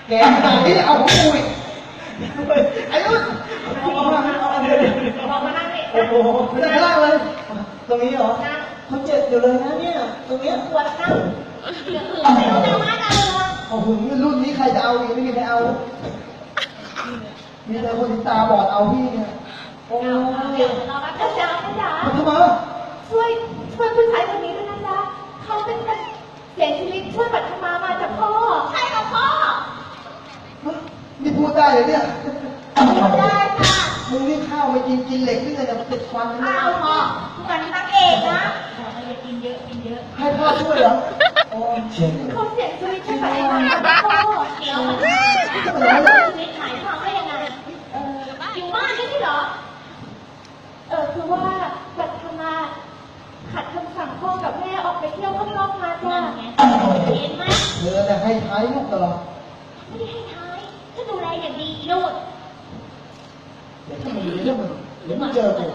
แกขนาดนี้เอาของกูอีกไอ้นุ่นเอามานั่งดิโอ้โหไม่ได้ล่างเลยตรงนี้เหรอเขาเจ็บอยู่เลยนะเนี่ยตรงนี้ปวดนั่งเหลือไม่รู้จะมาเอาเลยโอ้โหรุ่นนี้ใครจะเอาอีกไม่มีใครเอามีแต่คนที่ตาบอดเอาพี่เนี่ยโอ้ยเรารักกันจ๋าทำไมช่วยผู้ชายคนนี้ด้วยนะจ๊ะเขาเป็นคนเสียชีวิตช่วยปัทมามาจากพ่อใช่ค่ะพ่อนี่พูดได้เลยเนี่ยพูดได้ค่ะมึงนี่ข้าวไม่กินเหล็กนี่เลยจะติดฟันอ้าวพ่อทุกวันนี้นักเอกนะกินเยอะให้พ่อช่วยเหรอโอ้เชี่ยเขาเสียชีวิตช่วยปัทมามาจากพ่อเดี๋ยวมันชีวิตหายความได้ยังไงอยู่บ้านไม่ใช่เหรอคือว่าปัทมาขัดคำสั่งพ่อกับแม่ออกไปเที่ยวข้างนอกมาจ้ะเห็นไหมเธอเนี่ยให้ท้ายลูกตลอดไม่ได้ให้ท้ายก็ดูแลอย่างดีลูกเดี๋ยวถ้ามันเรื่องมันเดี๋ยวมันเจอกู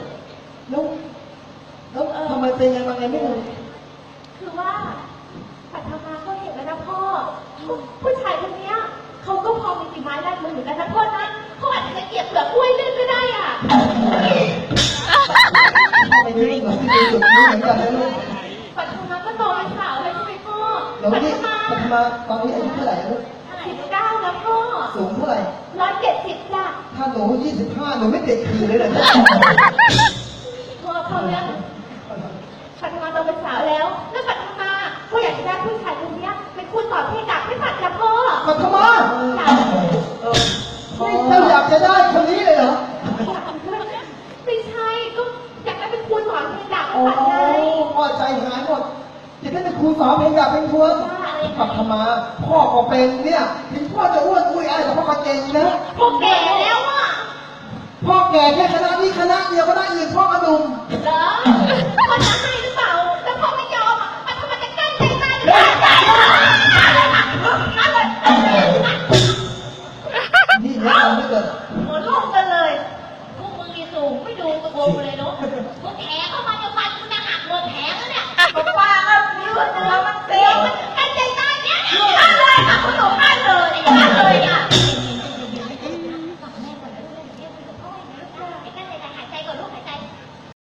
แล้วทำไมเป็นยังไงไม่รู้คือว่าปัทมาก็เห็นแล้วนะพ่อผู้ชายคนนี้เขาก็พอมีฝีไม้ลายมือเหมือนกันนะพ่อนะเขาอาจจะเก็บเปลือกกล้วยเล่นก็ได้อ่ะไม่ได้เหมือนที่ดูจุดนี้เหมือนกันนะลูกปัทมาก็โตเป็นสาวเลยใช่ไหมพ่อปัทมาตอนนี้อายุเท่าไหร่ลูก 19แล้วพ่อสูงเท่าไหร่ 170จ้ะถ้าหนู25หนูไม่เด็กขี่เลยเหรอพ่อเขาเนี่ยปัทมาโตเป็นสาวแล้วปัทมาก็อยากจะได้ผู้ชายคนนี้เป็นครูสอนเพลงดักให้ปัทจ้ะพ่อปัทมาเจ้าอยากจะได้คนนี้เลยเหรอไม่ใช่ก็อยากได้เป็นครูสอนเพลงดักให้ปัทไงพ่อใจหายหมดจะได้เป็นครูสอนเพลงอยากเป็นครูปัทมาพ่อก็เป็นเนี่ยถึงพ่อจะอ้วนอุ้ยอะไรแต่พ่อก็เก่งนะพ่อแก่แล้วอ่ะพ่อแก่แค่คณะนี้คณะเดียวก็ได้อื่นพ่ออดุมเหรอพ่อจะให้หรือเปล่าแต่พ่อไม่ยอมอ่ะมันทำไมจะกั้นใจมาหรือเปล่านี่แน่นอนไม่เกิดหัวโลกกันเลยพวกมึงนี่สูงไม่ดูกระโปรงเลยเนาะพวกแท้